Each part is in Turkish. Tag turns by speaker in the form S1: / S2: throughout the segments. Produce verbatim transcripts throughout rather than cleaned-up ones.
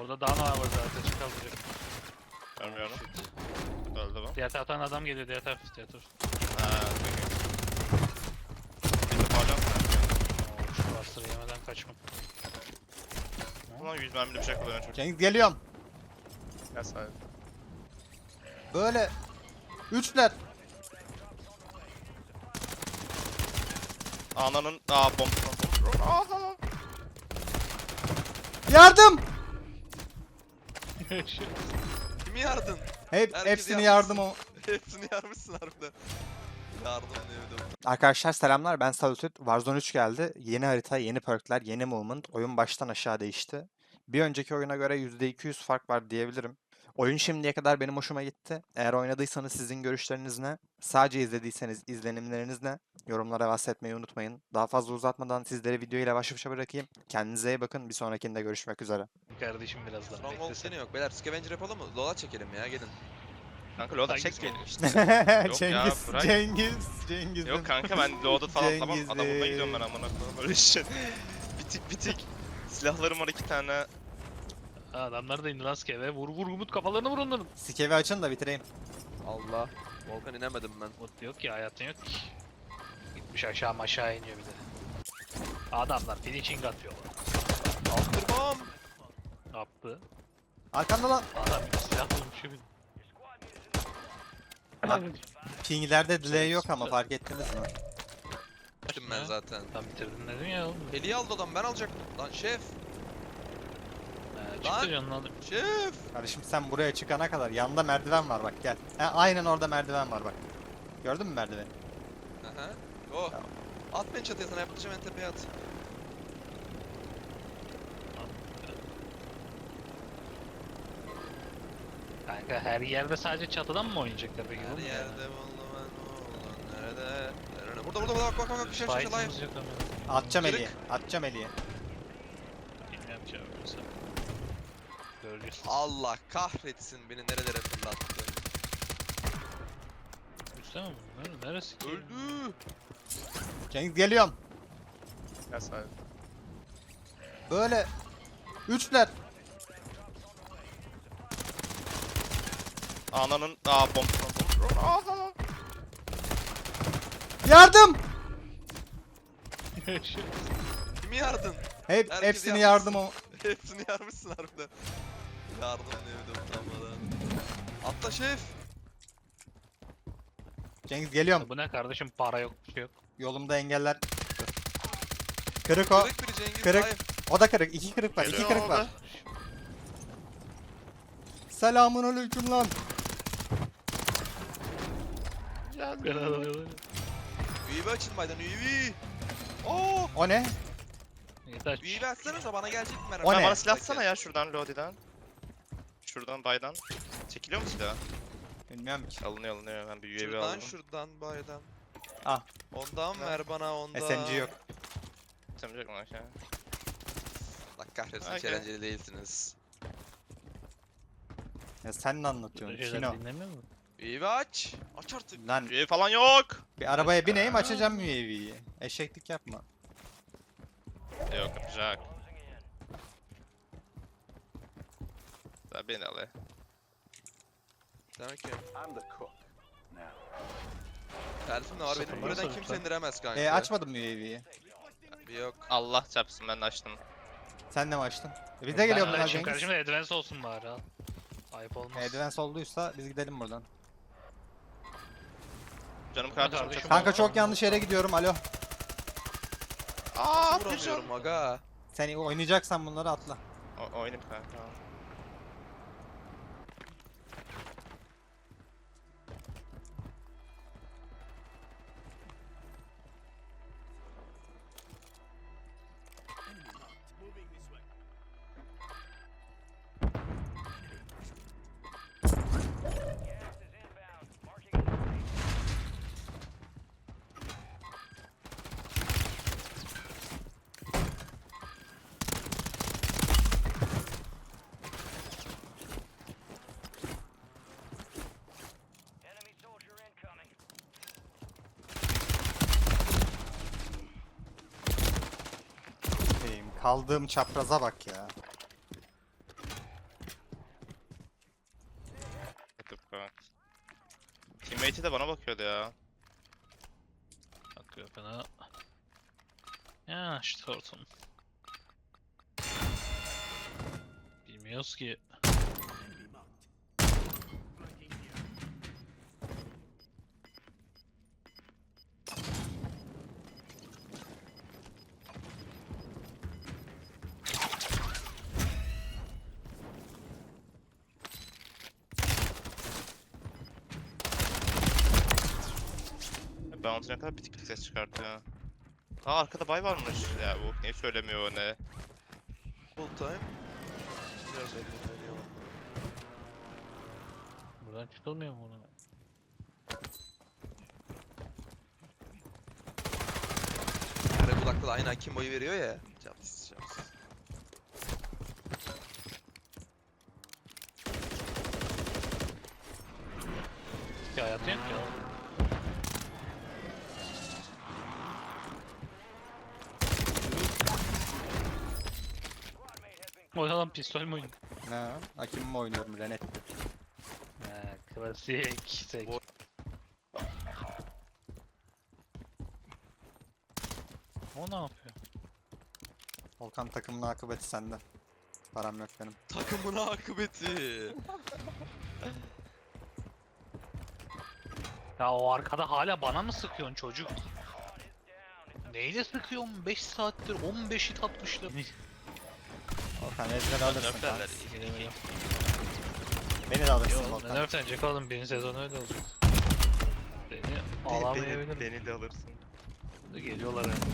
S1: Orada daha ne var zaten çıkabilir.
S2: Görmüyorum. Öldü bu.
S1: Diğer taraftan adam geliyor, diğer taraf, diğer taraf.
S2: Haa, peki. Bir de pardon.
S1: Oo, şu bastırı yemeden kaçmam.
S2: Ulan yüz mermili bir şey kullanıyor çocuk.
S3: Cengiz geliyorum.
S2: Gel sahibi.
S3: Böyle. Üçler.
S2: Ananın... Aa bomba. Bomba. Aha.
S3: Yardım.
S4: Kimi yardın?
S3: Hep,
S4: Herkes
S3: hepsini
S4: yardım
S3: yardım o.
S4: Hepsini yarmışsın harbiden. Yardım diyebilirim.
S3: Arkadaşlar selamlar, ben Salutut. Warzone üç geldi. Yeni harita, yeni perkler, yeni movement. Oyun baştan aşağı değişti. Bir önceki oyuna göre yüzde iki yüz fark var diyebilirim. Oyun şimdiye kadar benim hoşuma gitti. Eğer oynadıysanız sizin görüşleriniz ne? Sadece izlediyseniz izlenimleriniz ne? Yorumlara bahsetmeyi unutmayın. Daha fazla uzatmadan sizleri videoyla baş başa bırakayım. Kendinize iyi bakın. Bir sonrakinde görüşmek üzere.
S1: Kardeşim birazdan
S4: Stronghold
S1: beklesen.
S4: gene yok. Beyler scavenger yapalım mı? Lola çekelim ya gelin.
S2: Kanka loadout
S1: Hangisi
S2: çek geliyor
S1: olmuş?
S2: işte. Yok ya,
S3: Cengiz,
S2: bırak.
S3: Cengiz, Cengiz.
S2: Yok kanka ben loadout falan tamam.
S3: Cengiz
S2: Adam bulmaya
S3: Bey.
S2: gidiyorum ben amına koyayım böyle şey. Bitik bitik. Silahlarım var iki tane.
S1: Ha, adamlar da indi rastgele ve vur vur Umut kafalarını vur onların.
S3: Sikevi açın da bitireyim.
S4: Allah. Volkan inemedim ben.
S1: Umut yok ki, hayatın yok ki. Gitmiş aşağı aşağı iniyor bir de. Adamlar finishing atıyorlar.
S4: Aldırmam.
S1: Ne yaptı?
S3: Arkanda lan.
S1: Adam bir silah bulmuş bir.
S3: Pinglerde delay yok ama fark ettiniz mi?
S4: Gittim ben zaten.
S1: Tam bitirdin dedim ya oğlum.
S4: Heliyi aldı adam ben alacaktım. Lan şef.
S1: Ee,
S4: Lan!
S1: çıktı canını alıp.
S4: Şef.
S3: Kardeşim sen buraya çıkana kadar yanında merdiven var bak gel. He, aynen orada merdiven var bak. Gördün mü merdiveni?
S4: Aha. Oh.
S3: Tamam.
S4: At beni çatıya sana yapacağım en tepeye at.
S1: Kanka her yerde sadece çatıdan mı oynayacaklar peki?
S4: Her
S1: oğlum ya?
S4: yerde buldum ben oğlan nerede? Nerede? Burada burada burada bak bak bak bak şef şef live.
S1: Fight'ımız yok ama.
S3: Atacağım
S4: Kırık.
S3: Eli'ye. Atacağım Eli'ye.
S1: Bilmiyorum ki abi sen. Göreceğiz.
S4: Allah kahretsin beni nerelere fırlattı.
S1: Üstte mi bu? Nere- Neresi ki?
S4: Öldü.
S3: Cengiz geliyorum.
S2: Gel sahibi.
S3: Böyle. Üçler.
S2: Ananın... Aa bomba. Bomba. Aha.
S3: Yardım.
S4: Kimi yardın?
S3: Hep,
S4: Herkes
S3: hepsini
S4: yardım.
S3: yardım o.
S4: Hepsini yarmışsın harbiden. Yardım diyebilirim utanmadan. Atla şef.
S3: Cengiz geliyorum.
S1: Bu ne kardeşim, para yok bir şey yok.
S3: Yolumda engeller. Kırık o.
S4: Kırık biri Cengiz.
S3: Kırık.
S4: Hayır.
S3: O da kırık. İki kırık var. İki
S2: Geliyor
S3: kırık
S2: abi.
S3: var. Selamun aleyküm lan.
S1: Ben alıyorlar.
S4: U A V açın baydan U A V. Oo.
S3: O ne?
S1: Yeter.
S4: U A V açsanıza bana gelecek mi merhaba?
S3: O
S2: Sen
S3: ne?
S2: bana silah atsana ya şuradan Lodi'den. Şuradan baydan. Çekiliyor mu silah?
S3: Bilmiyorum ki.
S2: Alınıyor alınıyor ben bir U A V
S4: Şuradan
S2: aldım.
S4: şuradan baydan.
S3: Ah.
S4: Ondan ver bana ondan.
S3: S M G yok.
S2: Temizlik mi aşağı?
S4: Allah kahretsin hiç
S2: Okey.
S4: eğlenceli değilsiniz.
S3: Ya sen ne anlatıyorsun?
S1: Şeyler
S3: Şino.
S1: dinlemiyor mu?
S4: U A V aç. Aç artık.
S3: Lan
S2: U A V falan yok.
S3: bir arabaya bineyim açacağım U A V'yi. Eşeklik yapma.
S2: Yok yapacak. Daha beni al ya.
S4: Demek ki. Tersim de var benim
S1: Sıfırdan
S4: buradan
S1: sonra
S4: kimse
S1: lütfen.
S4: indiremez kanka.
S3: E açmadım U A V'yi.
S4: Bir yok.
S2: Allah çarpsın ben de açtım.
S3: Sen de mi açtın? E biz de geliyor
S1: Ben
S3: bunlar
S1: açayım
S3: Cengiz.
S1: kardeşim de advance olsun bari al. Ayıp olmaz.
S3: Advance olduysa biz gidelim buradan.
S2: Canım kardeşim
S1: kardeşim.
S2: çok...
S3: Kanka çok yanlış yere gidiyorum. Alo.
S2: Aaa bir can.
S4: Vuramıyorum aga.
S3: Sen oynayacaksan bunları atla.
S2: O oynayayım kanka.
S3: Şeyim, kaldığım çapraza bak ya.
S2: de bana bakıyordu ya.
S1: Bakıyor bana. Ya işte ortam. Bilmiyoruz ki.
S2: Bounty ne kadar bitik bitik ses çıkartıyor. Aa arkada bay varmış. Ya bu niye söylemiyor o ne?
S4: Full time. Biraz elini veriyor.
S1: Buradan çıkılmıyor mu ona?
S4: Kare kulakta da aynı Akimbo'yu veriyor ya. Caps caps.
S1: Ki hayatı yok ya. O adam pistol mü oynuyor?
S3: Ne? Hakim mi oynuyorum Renet?
S1: He, klasik. Sek.
S4: Bu-
S1: O ne yapıyor?
S3: Volkan takımın akıbeti sende. Param yok benim.
S4: Takımın akıbeti.
S1: Ya o arkada hala bana mı sıkıyorsun çocuk? Neyle sıkıyorsun? beş saattir on beş hit atmışlar.
S3: Volkan ezber alırsın
S2: Nerflerler.
S3: kanka. Beni de alırsın
S1: Yok,
S3: Volkan.
S1: ne nerflenecek oğlum? Birinci sezon öyle olacak. Beni
S2: Beni,
S1: alamayabilirim.
S2: beni de alırsın.
S1: Geliyorlar yani.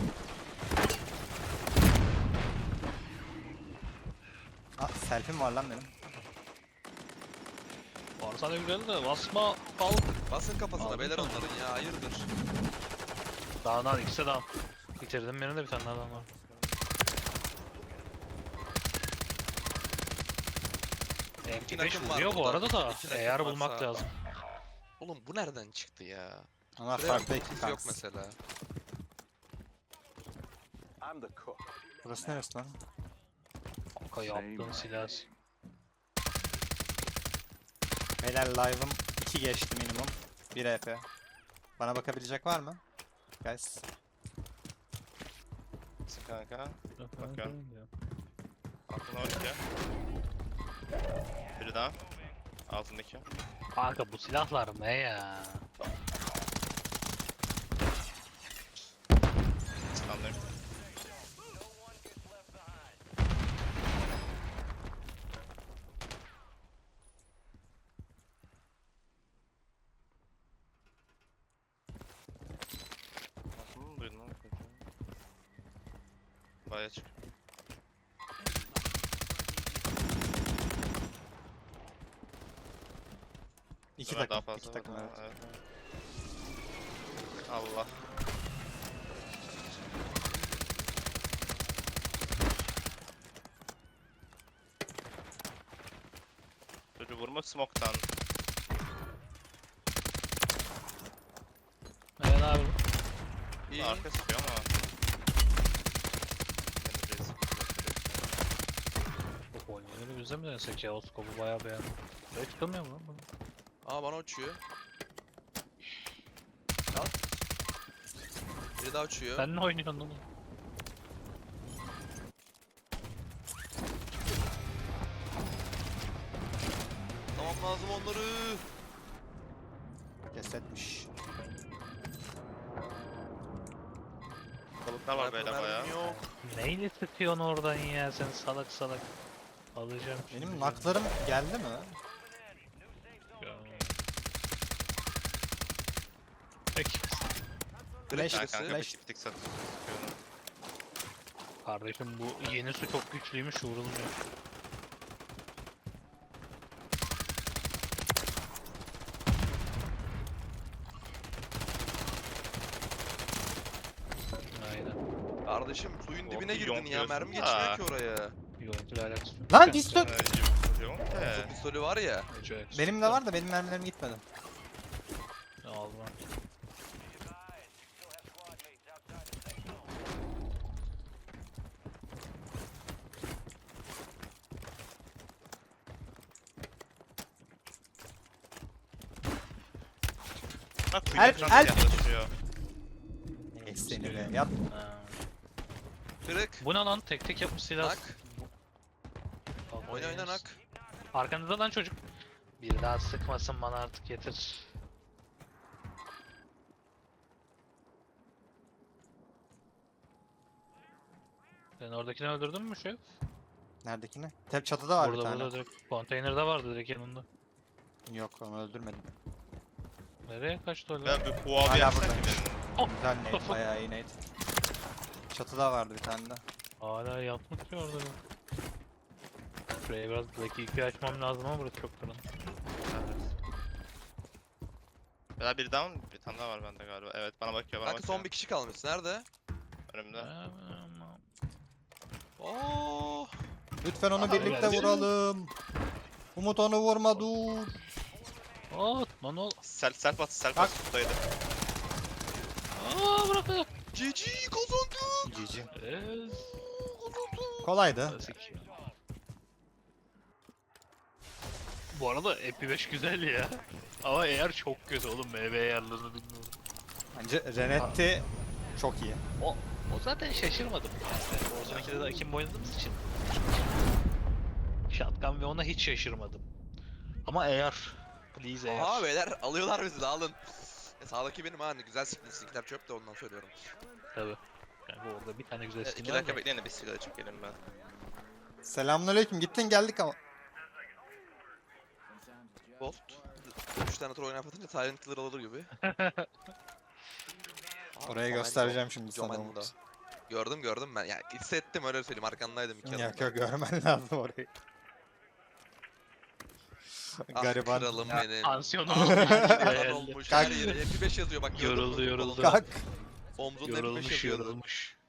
S3: Aa, selfie'm var lan benim.
S1: Varsa ne güzel de basma al.
S4: Basın kafasına
S1: Aldım
S4: beyler
S1: sana.
S4: onların ya hayırdır.
S1: Daha daha ikisi de daha. Bitirdim birini de bir tane daha adam var. M P beş
S4: nakım var
S1: vuruyor bu
S4: burada.
S1: arada da
S4: İki nakım
S1: eğer
S4: varsa-
S1: bulmak lazım.
S4: Oğlum bu nereden çıktı ya?
S3: Ama
S4: Şuraya
S3: farklı ekip
S4: bakıyoruz, yok
S3: kanka.
S4: mesela.
S3: Burası neresi lan?
S1: Kanka yaptığın silah.
S3: Beyler live'ım iki geçti minimum. bir E P. Bana bakabilecek var mı? Guys.
S2: Nasıl kanka? Bakıyorum. Altına on iki. Biri daha. Altındaki.
S1: Kanka bu silahlar ne ya?
S2: Standart. Nasıl mı duydun lan? Baya çık.
S3: İki
S2: Ömer daha
S3: takım.
S2: fazla
S3: iki takım
S2: var.
S3: evet.
S2: Evet, evet. Allah. Çocuğu vurma smoke'tan.
S1: Evet abi.
S4: İyi.
S2: Arka sıkıyor ama. Yine de
S1: Bu oyunları bize mi denesek ya? O scope'u bayağı beğendim. Böyle çıkamıyor mu lan bu?
S4: Aa bana uçuyor. Al. Biri daha uçuyor.
S1: Sen ne oynuyorsun oğlum?
S4: Tamam lazım onları.
S3: Kesetmiş.
S2: Balıklar var böyle
S4: Mermim
S2: baya.
S4: Yok.
S1: Neyle sıkıyorsun oradan ya sen salak salak. Alacağım şimdi
S3: Benim
S1: canım.
S3: naklarım geldi mi?
S1: Ya. Peki.
S3: Flash,
S2: Ben kanka
S3: flash.
S2: bitik bitik satıyorum.
S1: Kardeşim bu yeni su çok güçlüymüş vurulmuyor. Aynen.
S4: Kardeşim suyun
S2: Oh,
S4: dibine
S2: bir
S4: girdin ya.
S2: yonkluyorsun
S4: Mermi
S2: da.
S4: geçmiyor ki oraya.
S1: Yoğuntuyla alakası yok.
S3: Lan pistol!
S2: Ee, Yok
S4: Su
S2: ki.
S4: pistolü var ya.
S3: Benim de var da benim mermilerim gitmedi.
S1: Aldım.
S2: Bak
S3: Help,
S2: kuyuya falan
S3: help.
S2: yaklaşıyor.
S3: Ey seni be. Yat.
S1: Ha.
S4: Kırık.
S1: Bu ne lan? Tek tek yapmış silah.
S4: Nak. Oyna oyna nak.
S1: Arkanızda lan çocuk. Bir daha sıkmasın bana artık yeter. Sen oradakini öldürdün mü şef?
S3: Neredekine? Tep çatıda var bir
S1: Burada
S3: tane.
S1: burada direkt konteynerde vardı direkt yanında.
S3: Yok onu öldürmedim.
S1: Nereye kaçtı öyle?
S2: Ben bir puan
S3: Hala
S2: yapsak
S3: buradaymış.
S2: ki benim.
S3: Güzel nade. Bayağı iyi nade. Çatıda vardı bir tane de.
S1: Hala yapmış ya orada. Şuraya biraz dakika açmam lazım ama burası çok karanlık.
S2: Ya bir down, bir tane daha var bende galiba. Evet bana bakıyor, bana
S4: Kanka
S2: bakıyor.
S4: son bir kişi kalmış. Nerede?
S2: Önümde.
S4: Oo.
S3: Lütfen onu
S4: Aha,
S3: birlikte
S1: geldi.
S3: vuralım. Umut onu vurma dur.
S1: Aa lan ol.
S2: Self self at, self
S3: Bak.
S2: at tuttaydı.
S1: Aa bırak bırak.
S4: G G kazandık.
S3: G G.
S1: Ez.
S3: Kolaydı.
S1: Klasik. Bu arada M P beş güzel ya. Ama eğer çok kötü oğlum M V ayarlarını bilmiyorum.
S3: Bence Renetti çok iyi.
S1: O, o zaten şaşırmadım. Yani. Warzone ikide de Akim oynadığımız için. Shotgun ve ona hiç şaşırmadım. Ama eğer, please eğer.
S4: Aha beyler alıyorlar bizi de alın. E, sağdaki benim ha hani güzel skin skinler çöp de ondan söylüyorum.
S1: Tabii. Yani orada bir tane güzel
S2: Evet,
S1: skin
S2: iki
S1: var
S2: dakika
S1: da.
S2: bekleyin de bir sigara çekelim ben.
S3: Selamünaleyküm. Gittin geldik ama.
S4: Bolt. üç tane tur oyuna atınca Silent Killer alır gibi.
S3: Orayı göstereceğim şimdi sana Umut.
S4: Gördüm gördüm ben. Ya hissettim öyle söyleyeyim arkandaydım iki
S3: Yok
S4: adımda.
S3: yok görmen lazım orayı.
S4: Ah
S3: Gariban.
S4: kralım
S1: Ya,
S4: benim.
S1: Tansiyonum
S4: Ah,
S1: olmuş.
S4: kan
S1: Hayalde.
S4: olmuş.
S3: Kalk.
S4: Her yere F beş yazıyor bak. gördün mü?
S1: Yoruldu, yoruldu.
S3: Kalk.
S4: Omzunda F beş
S1: Yorulmuş
S4: yazıyordu.
S1: yorulmuş.